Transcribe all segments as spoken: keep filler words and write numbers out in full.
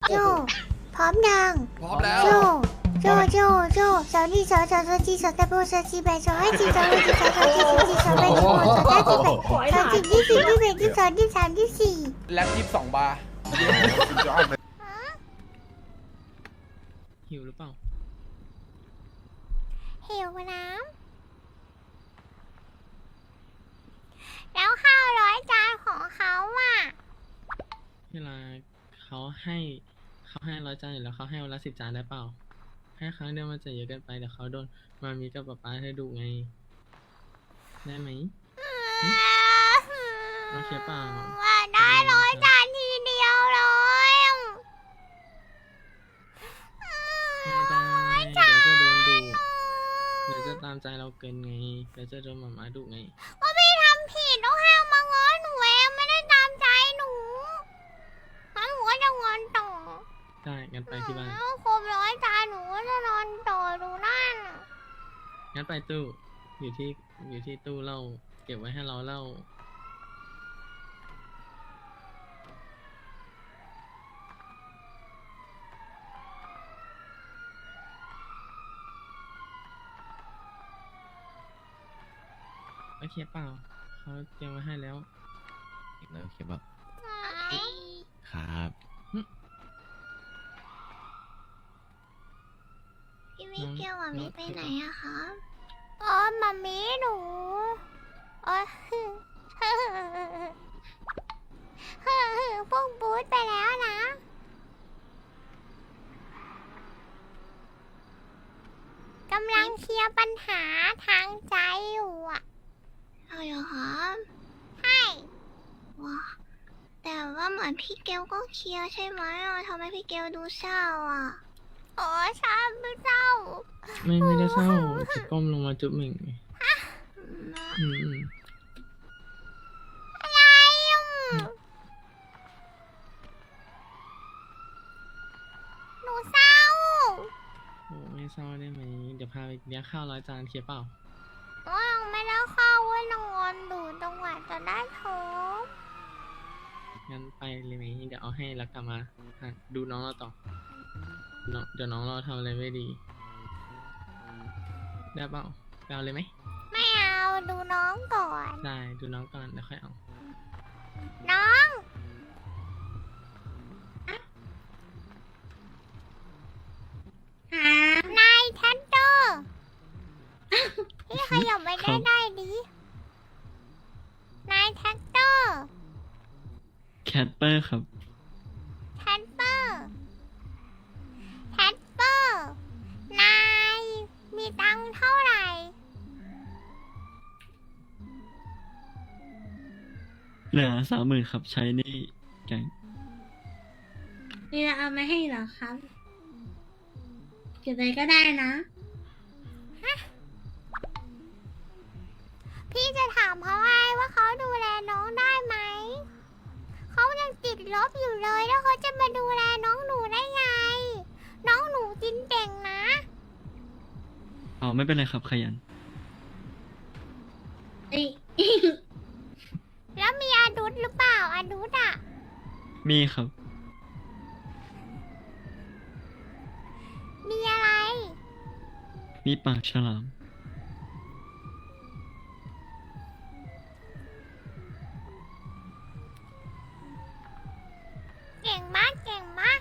โจพร้อมยังพร้อมแล้วโจโจโจโจสาวนี่สาวสาวสาวจีสาวตะโบสาวจีแบสาวไอจีสาวไอจีสาวสาวจีสาวจีสาวแบสาวสาวจีแบสาวจีที่สี่ที่แปดที่สองที่สามที่สี่แล็บยี่สิบสองบาร์หิวหรือเปล่าเหวน้ำแล้วข้าวร้อยจานของเขาอ่ะเวลาเขาให้เขาให้ร้อยจานอยู่แล้วเขาให้วันละสิบจานได้เปล่า ให้ครั้งเดียวมันจะเยอะเกินไปเดี๋ยวเขาโดนมามีกับป๊าป๊าเธอดุไง ได้ไหม โอเคเปล่าว่าได้ร้อยจานทีเดียวเลยไม่ได้เดี๋ยวจะโดนดุเดี๋ยวจะตามใจเราเกินไงเดี๋ยวจะโดนหมาม้าดุไงก็พี่ทำผิดต้องห้ามมาง้อหนูเองไม่ได้ตามใจหนูงั้นหนูก็จะงอนต่อได้งั้นไปที่บ้านอืมครบร้อยจานหนูก็จะนอนต่อดูนั่นงั้นไปตู้อยู่ที่อยู่ที่ตู้เหล้าเก็บไว้ให้เราเหล้าโอเคเปล่าเขาเตรียมไว้ให้แล้วอีกแล้วโอเคป่ะไหนครับพี่มิเกลกับมิไปไหนอะคะอ๋อมามีหนูอ๋อพวกบูธไปแล้วนะกำลังเคลียร์ปัญหาทางใจอยู่อะใช่เหรอคะใช่ว้าแต่ว่าเหมือนพี่เกลก็เคลียร์ใช่ไหมอ่ะทำไมพี่เกลดูเศร้าอ่ะโอ้ชาไม่เศร้าไม่ไม่ได้เศร้าจะก้มลงมาจุ๊บหนึ่งอืมอืมอะไรอ่ะหนูเศร้าโอ้ไม่เศร้าได้ไหมเดี๋ยวพาไปเลี้ยงข้าวร้อยจานเคลียร์เปล่าก็ยังไม่ได้เข้าเว่านอนดูจังหวะจะได้โทรงั้นไปเลยไหมเดี๋ยวเอาให้แล้วกลับมาอ่ะดูน้องเราต่อน้องเดี๋ยวน้องเราทำอะไรไม่ดีได้เปล่าไปเอาเลยไหมไม่เอาดูน้องก่อนได้ดูน้องก่อนเดี๋ยวค่อยเอาน้องนายแทนเตอร์พี่ขยับไปได้ได้ดินายแท็กเตอร์แคทเปอร์ครับแทนเปอร์แทนเปอร์นายมีตังค์เท่าไหร่เหลือสามหมื่นครับใช้นี่แกงนี่เราเอามาให้เหรอครับเก็บเลยก็ได้นะพี่จะถามเขาไงว่าเขาดูแลน้องได้ไหม เขายังติดลบอยู่เลยแล้วเขาจะมาดูแลน้องหนูได้ไง น้องหนูจินเก่งนะอ๋อไม่เป็นไรครับขยันเอ้ยแล้วมีอาดุษหรือเปล่าอาดุษอ่ะมีครับมีอะไรมีปากฉลามเก่งมากเก่งมาก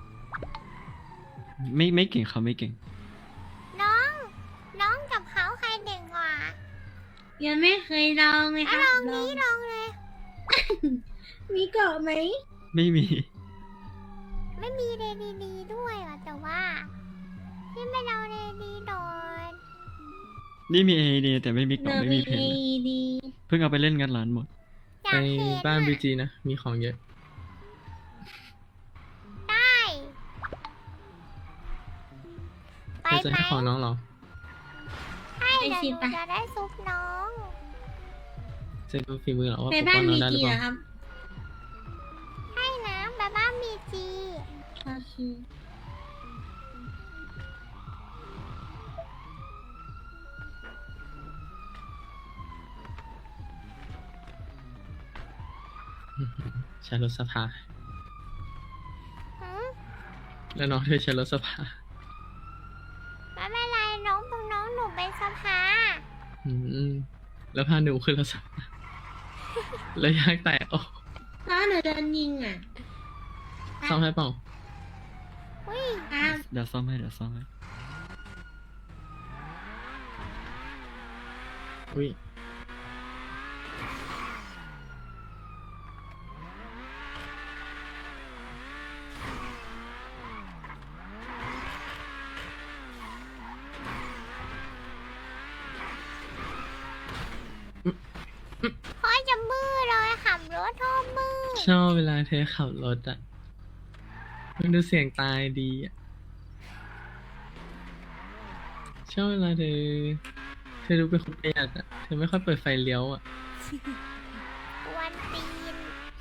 ไม่ไม่เก่งครับไม่เก่งน้อง น้องกับเขาใครเด่งกว่ายังไม่เคยลองเลยคอ่ะรับลองนี้ลองเลยมีเกาะไหมไม่มีไม่มีเดดีดีด้วยเหรอแต่ว่าพี่ไม่เอาเดดีโดนนี่มีเอเดียแต่ไม่มีกล่องเนอไม่มีมีเพเอน ดีเพิ่งเอาไปเล่นกันร้านหมดอยาไปกเห็นบ้านบีอ่ะจีนะ มีของเยอะได้ ไปเธอจะไหมให้ของน้องเหรอให้เดี๋ยวหนูจะได้ซุปน้องจะดูฝีมือเหรอว่าไปปกบ้าป้อน งน้อมีงได้หรือกี่เปเหรล่าอครับให้นะบ้าบ้ามีจีโอเคใช้รถสภาหืมแล้วน้องเธอใช้รถสภาไม่เป็นไรน้องน้องหนูเป็นสภาอืมแล้วพาหนูขึ้นรถสภา แล้วยางแตกโอ้น้องหนูโดนยิงอ่ะซ่อมให้เปล่าอุ้ยครับเดี๋ยวซ่อมให้เดี๋ยวซ่อมให้อุ้ยพ่อจะมือเลยขับรถท่อมือชอบเวลาเธอขับรถอ่ะ มันดูเสียงตายดีอ่ะ ชอบเวลาเธอ เธอดูเป็นคนประหยัดอ่ะ เธอไม่ค่อยเปิดไฟเลี้ยวอ่ะกวนตีน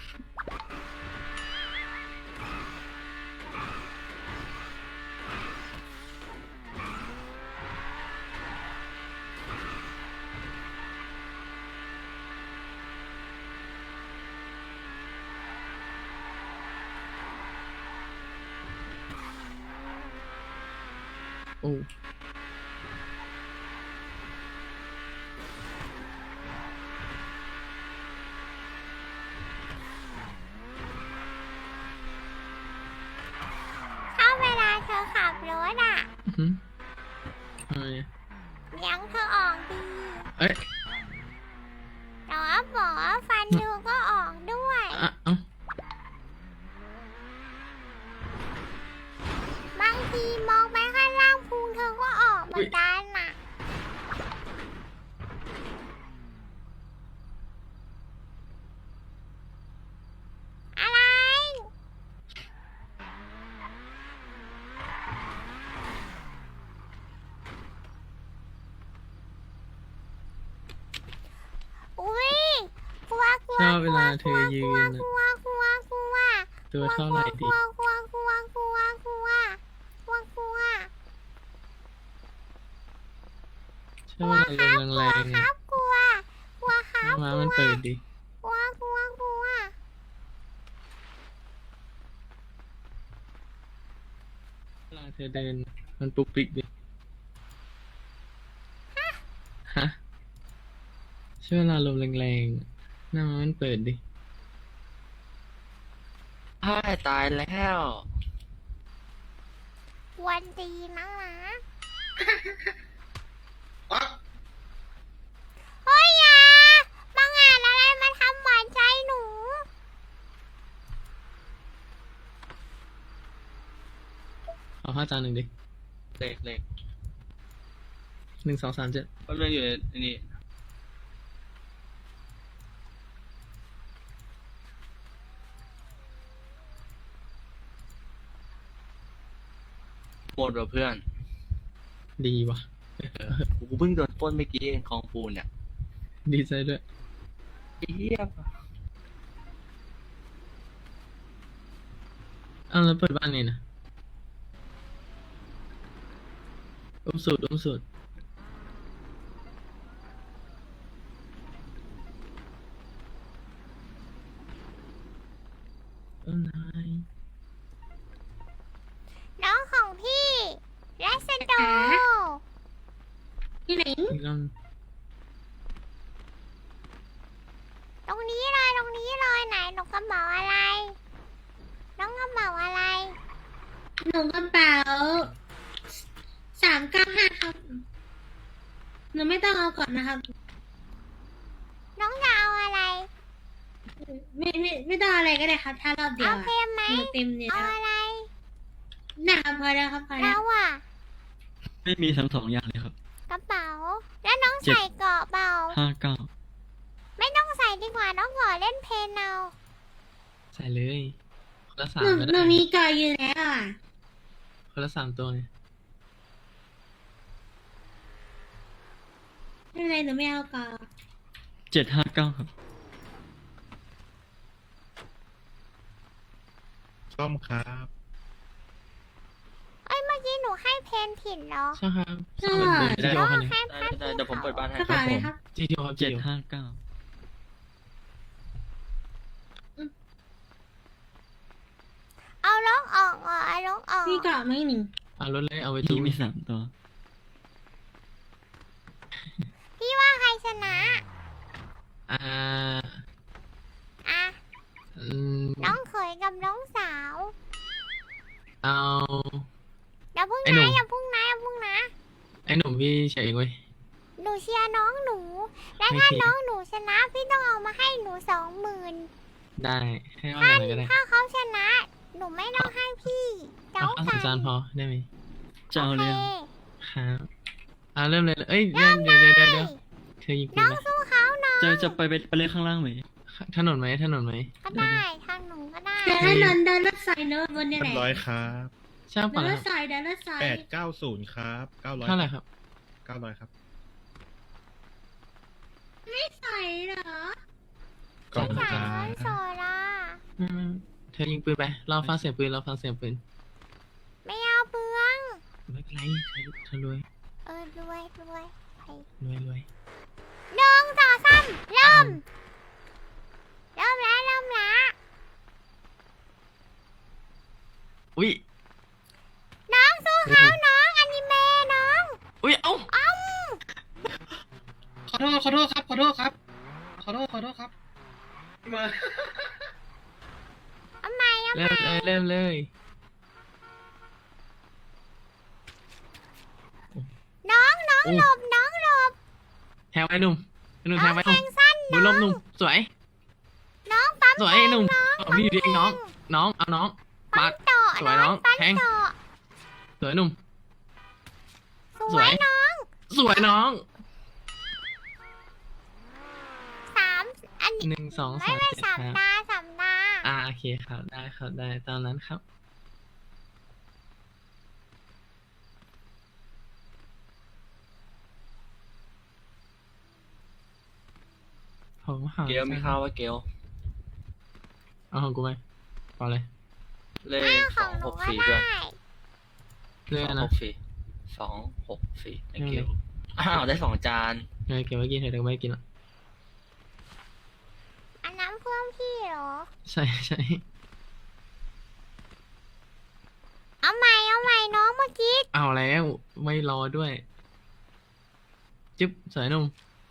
โอ้ถ้าเวลาเธอขับรถอ่ะอื้อหือทำไมอะเลี้ยงเธอออกดีเอ้ยแต่ว่าบอกว่าฟันเธอก็ออกด้วยอ่ะเอ้าบางทีมองไปข้างล่างพุงเธอก็ออกเหมือนกันน่ะ อะไร อุ้ยกลัวกลัวชอบเวลาเธกลัวอก ยืลัวนอะกลัวกลัวกลัวตัวเท่าไหร่ดีกลัวกลัวกลัวกลัวกลัวกลัวกลัวชอบเวลาลมแรงคๆรัอ่ะบกลัวกลัวครัถ้าบม้ามันเปิดดิกลัวกลัวกลัวเวลาเธอเดิน มันปุกปิกดิ ฮะช่วยเวลาลมแรงๆอะหน้าม้ามันเปิดดิอ้ายตายแล้วกวนตีนนะนะเฮ้ยอย่ามางานอะไรมาทำหวานใจหนูขอผ้าจานหนึ่งดิเล็กเล็กหนึ่งสองสามเจ็ดก็เรื่องอยู่ในนี่หมดว่ะเพื่อนดีว่ะเออกูเพิ่งโดนปล้นเมื่อกี้เองของปูนเนี่ยดีใจด้วยไอ้เหี้ยอ้าวแล้วเปิดบ้านไงนะอุ้มสูตรอุ้มสูตรเอ้านายน้องของพี่เลสโดที่ไหนอีกรอบตรงนี้เลยตรงนี้เลยไหนหนูกระเป๋าอะไร น้องกระเป๋าอะไรหนูกระเป๋าสามเก้าห้าครับ หนูไม่ต้องเอาก่อนนะครับน้องจะเอาอะไรไม่ไม่ไม่ต้องอะไรก็ได้ครับ ถ้ารอบเดียเอาวอะเพมไหมหนูเต็มเนี่ยเอาแล้วอะไรนะครับพอแล้วครับพอแล้แล้ว วอ่ะไม่มีทั้งสองอย่างเลยครับกระเป๋า แล้วน้องเจ็ดใส่เกราะเปล่าห้าเก้าไม่ต้องใส่ดีกว่าน้องขอเล่นเพลนเอาใส่เลยคนละสาหมนูก็หนูได้มีก่ออยู่แล้วอ่ะคนละสามตัวไงไม่เป็นไรหนูไม่เอาก่อเจ็ดห้าเก้าครับส้มครับเอ้ยเมื่อกี้หนูให้เพนผิดเหรอใช่ครับสามเป็นเบอร์จีน้ทีอโอง คันหนึ่งให้ได้พัดได้เดี๋ยวผมเปิดบ้านให้กระเป๋าอะไรครับจีทีโอครับจีเจ็ดทีโอห้าเก้าเอาล็อกออกก่อนเอาล็อกออกมีเกาะไหมหนึ่งเอารถเลยเอาไปพี่ตู้มีสามตัวพี่ว่าใครชนะอ่าอ่ะอืมน้องเขยกับน้องสาวเอาอย่าพึ่งไอ้หนุ่นะมอย่าพึ่งนะอย่าพึ่งนะไอ้หนุ่มพี่เฉยเองเว้ยหนูเชียร์น้องหนู และไม่ถ้าผิดน้องหนูชนะ พี่ต้องเอามาให้หนูสองหมื่นได้ให้เอาอย่างไรก็ได้ถ้าเขาชนะ หนูไม่ต้องให้พี่เจ้าเอาเอาไก่สามจานพอได้ไหมจะเอาเลยโออะเคครับอ่าเริ่มเลยเอ้ยเริ่มเดี๋ยวเดี๋ยวเดี๋ยวเดี๋ยวเธอยิงปืน้นองไหมสู้เขาหน่อยจะจะไปไปไปเล่นข้างล่างไหมถนนไหมถนนไหมก็ได้ทางหนูก็ได้เดินถนนเดินรถไฟเนอะบนเนี่ยเรีแหยละบร้อยครับใช่ป่ะเดินรครัถบไฟเดินรถไฟแปดเก้าศูนย์ครับเก้าร้อยเท่าไหร่ครับเก้าร้อยครับไม่ใส่เหรอขอบคุณจ่ายครัเงินสบดอ่ะไม่ไม่เธอยิงปืนไปเราฟังเสียงปืนเราฟังเสียงปืนไม่เอาเปลืองไม่เป็นไรเธอเธอรวยเออรวยรวยไปรวยรวยหนึ่งสองสามเริ่ม เริ่มแล้วเริ่มแล้วอุ้ยน้องสู้เขาน้องอนิเมะน้องอุ้ยเอ้าอ้อมขอโทษ ขอโทษครับ ขอโทษครับ ขอโทษ ขอโทษครับ มาเอาใหม่เอาใหเริ่ม่มเลยเริ่มเลยน้องน้องอู้หลบน้องหลบแทงไว้หนุ่มไอ้หนุ่มแทน้องงไว้หแทนุ่มงสั้นบุญลมหนุ่มสวยน้องปั๊มสวยแทไอ้งหนุ่มน้องเอาพี่อยู่ดีเองน้อง น้องเอาน้องปั๊ปาม ดต่อสวยน้องปั๊มแทงต่อสวยหนุ่มสสววย ยน้องสวยน้องสามอันนี้หนึ่งสองไม่สามไม่เจ็ดสามครับตาสามตาอ่าโอเคครับได้ครับได้ตามนั้นครับ ผมหาเกลมีข้าวว่าเกลเอาของกูไปเอาเลยเลขอ้าวสขออง งหหนูกก็สี่ได้เพื่อนเรื่อยสองนะหกสี่สองหกสี่ไอเกลอ้าวได้สองจานเออเก็บไว้กินเถอะเดี๋ยวไม่กินละอันน้ำเพื่อนพี่เหรอใช่ใช่เอาใหม่เอาใหม่น้องเมื่อกี้เอาแล้วไม่รอด้วยจึ๊บสวยหนุ่ม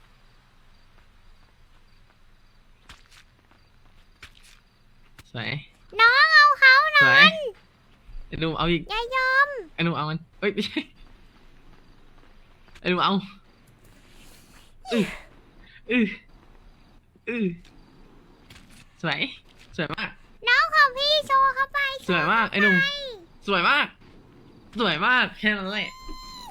สวยน้องเอาเขาหสน่วอย ยไอ้หนุ่มเอาอีกอย่ายอมไอ้หนุ่มเอามันเอ้ยไม่ใช่ไอ้หนุ่มเอาอืออืออือสวยสวยมากน้องของพี่โชว์เข้าไปสวยมากไอ้หนุ่มสวยมาก สวยมากแค่นั้นแหละ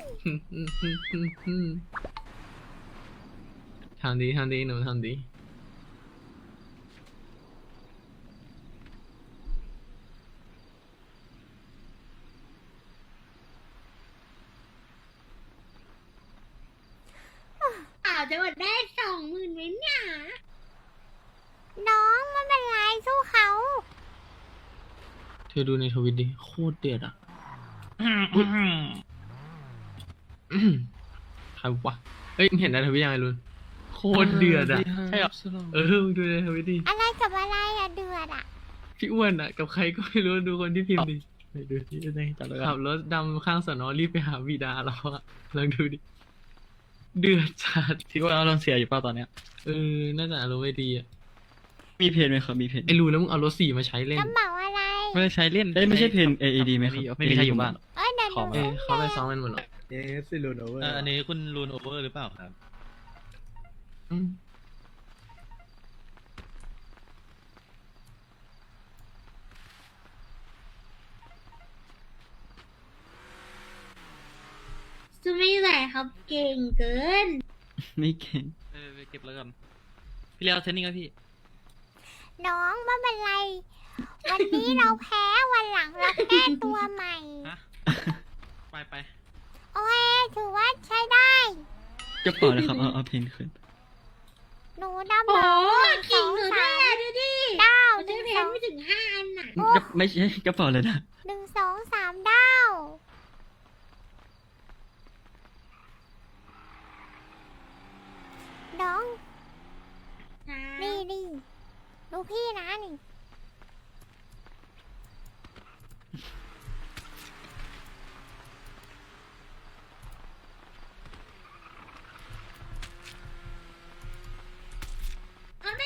ทำดีทำดีหนูทำดีอาจจะหมดได้สองหมื่นไหมเนี่ยน้องไม่เป็นไรสู้เขาเธอดูในทวิตดิโคตรเดือดอ่ะใครวะเฮ้ยมึงเห็นในทวิตยังไงลุนโคตรเดือดอ่ะใช่หรอเออมึงดูในทวิตดิอะไรกับอะไรอะเดือดอะพี่อ้วนอ่ะกับใครก็ไม่รู้ดูคนที่พิมพ์ดิไปดูที่ได้จับแล้วขับรถดำข้างสนอรีบไปหาบิดาเราอะลองดูดิเดือดจัดพี่ว่าเราเสียอยู่เปล่าตอนเนี้ยเออน่าจะอารมณ์ไม่ดีอ่ะมีเพนไหมครับมีเพนไอ้รูแล้วมึงเอารถสี่มาใช้เล่นกระเป๋าอะไรไม่ได้ใช้เล่นได้ไม่ใช่เพน เอ อี ดี ไหมครับไม่มีใครอยู่บ้านเอ้ยเดี๋ยวหขอนูมาเออเขาไปซ้อมกันหมดหรอเอสซิลูโนเวอร์เอ่ออันนี้คุณรูนโอเวอร์หรือเปล่าครับอืมจะไม่ไหวครับเก่งเกินไม่เก่งเออไปเก็บแล้วกัน พี่เลี้ยวเทรนนิ่งครับพี่น้องไม่เป็นไร วันนี้เราแพ้วันหลังเราแก้ตัวใหม่ฮะ ไปไปโอเคถือว่าใช้ได้กระเป๋านะครับเอาเอาเพนขึ้นหนูดำโอ้หนึ่งสเก่อง งหนูสาด้วยมอะดูดิเก้ามันหได้นึ่งเพสนองไม่ถึงห้าอันน่ะกระไม่ใช่กระเป๋าเลยนะหนึ่งสองสามดาว น้อง นี่นี่ดูพี่นะนี่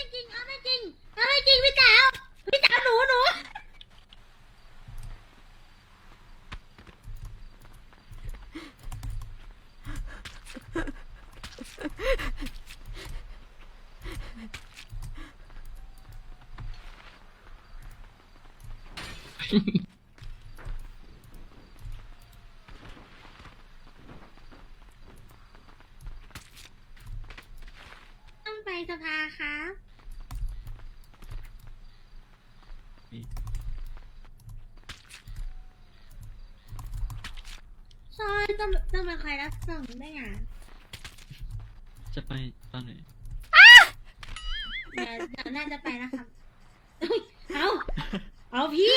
ไม่จริงเอาไม่จริงเอาไม่จริงพี่สาวพี่สาวหนูหนู ต้องไปสภาครับ ใช่ต้องต้องมาคอยรับส่งด้วยอ่ะจะไปตอนไหนเดี๋ยวเดี๋ยวน่าจะไปนะครับอุ๊ยเอาเอาพี่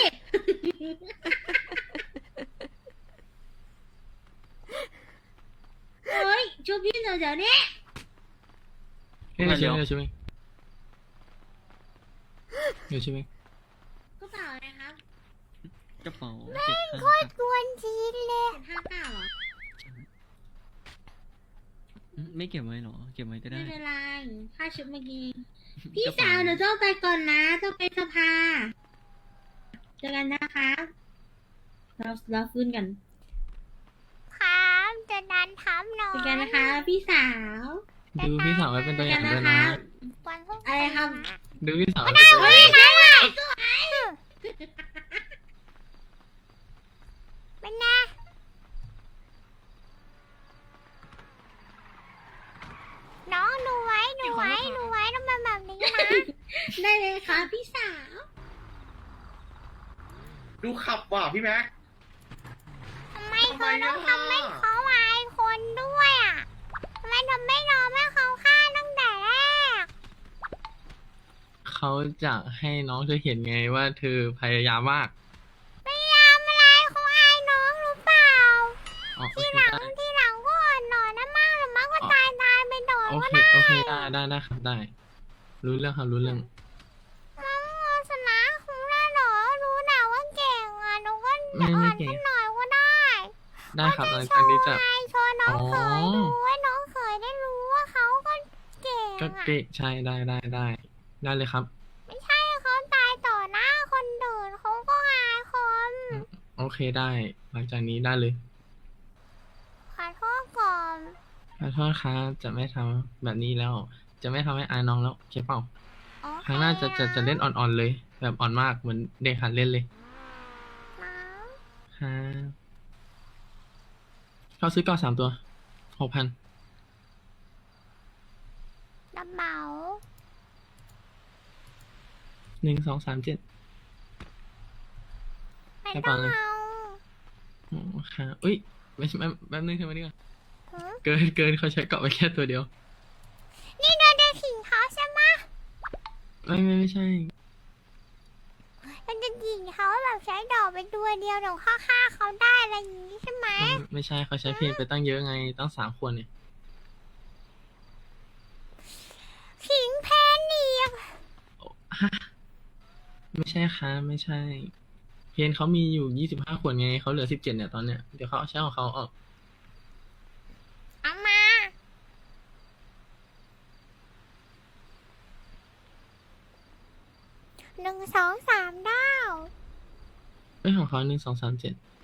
เฮ้ยช่วยพี่หน่อยเดี๋ยวนี้เฮ้ยเดี๋ยวเดี๋ยวใช่ไหมเดี๋ยวใช่ไหมก็เปล่าเลยครับกระเป๋าเจ็ดข้างครับกวนจีนเลยเป็นห้าเก้าเหรออืมไม่เก็บไว้เหรอ เก็บไว้ก็ได้ไม่เป็นไรค่าชุดเมื่อกี้พี่สาวหนูต้องไปก่อนนะต้องไปสภาเจอกันนะคะเราเราฟื้นกันครับจะดันทับน้องเจอกันนะคะ พี่สาวดูพี่สาวไว้เป็นตัวเจออกัย่าน งนะด้วยคะนะวันพรุ่งอะไรครับดูพี่สาวไว้เป็นตัวอย่างไหนไหนเป็นไงน้องดูไว้ดูไว้ดูไว้ต้องเป็นแบบนี้นะได้เลยค่ะพี่สาวดูขับว่ะพี่แม็กทำไมเขาต้องทำให้เขาอายคนด้วยอ่ะทำไมทำไม่ยอมให้เขาฆ่าตั้งแต่แรกเขาจะให้น้องเธอเห็นไงว่าเธอพยายามมากพยายามอะไรเขาอายน้องหรือเปล่าอ๋อโอทีเคหลังได้ทีหลังก็อ่อนหน่อยนะมากหรือมากก็ตายตายไปโดนโอก็เคได้โอเคได้ได้ได้ครับได้ รู้เรื่องครับรู้เรื่องน้องโมชนะคุณล่ะเหรอรู้นะว่าเก่งอ่ะหนูก็ไม่อ่ไม่อนเก่งขึ้นหน่อยก็ได้ได้ครับหลังจากนี้จะไงโชว์น้องเขยอ๋อดูให้น้องเขยได้รู้ว่าเขาก็เก่งก็อ่ะเกะใช่ได้ได้ได้ได้เลยครับไม่ใช่เขาตายต่อหน้าคนอื่นเขาก็อายคนโอเคได้ หลังจากนี้ได้เลยขอโทษก่อนขอโทษครับจะไม่ทำแบบนี้แล้ว จะไม่ทำให้อายน้องแล้วโอเคเปล่าโอเคครั้งหน้าจะจะจะเล่นอ่อนๆเลย แบบอ่อนมากเหมือนเด็กหัดเล่นเลยนะครับเขาซื้อก่อนสามตัวหกพันกระเป๋าหนึ่งสองสามเจ็ดไม่กระต้อเป๋าง เลยเอาโอ้ค่ะอุ้ยไม่ใช่แป๊บแป๊บนึงเธอมาดีกว่าหือเกินเกินเขาใช้เกาะไปแค่ตัวเดียวนี่เราจะขิงเขาใช่ไหมไม่ไม่ไม่ใช่เราจะขิงเขาแบบใช้ดอกเป็นตัวเดียวเดี๋ยวฆ่าฆ่าเขาได้อะไรอย่างนี้ใช่ไหมไม่ไม่ใช่เขาใช้เพลงไปตั้งเยอะไงตั้งสามคนเนี่ยขิงแพนอีกฮะไม่ใช่ค่ะไม่ใช่ เพนเขามีอยู่ยี่สิบห้าขวดไงเขาเหลือสิบเจ็ดเนี่ยตอนเนี้ยเดี๋ยวเขาเอาใช้ของเขาออกเอามาหนึ่งสองสามดาวเอ้ยของเขาหนึ่งสองสามเจ็ด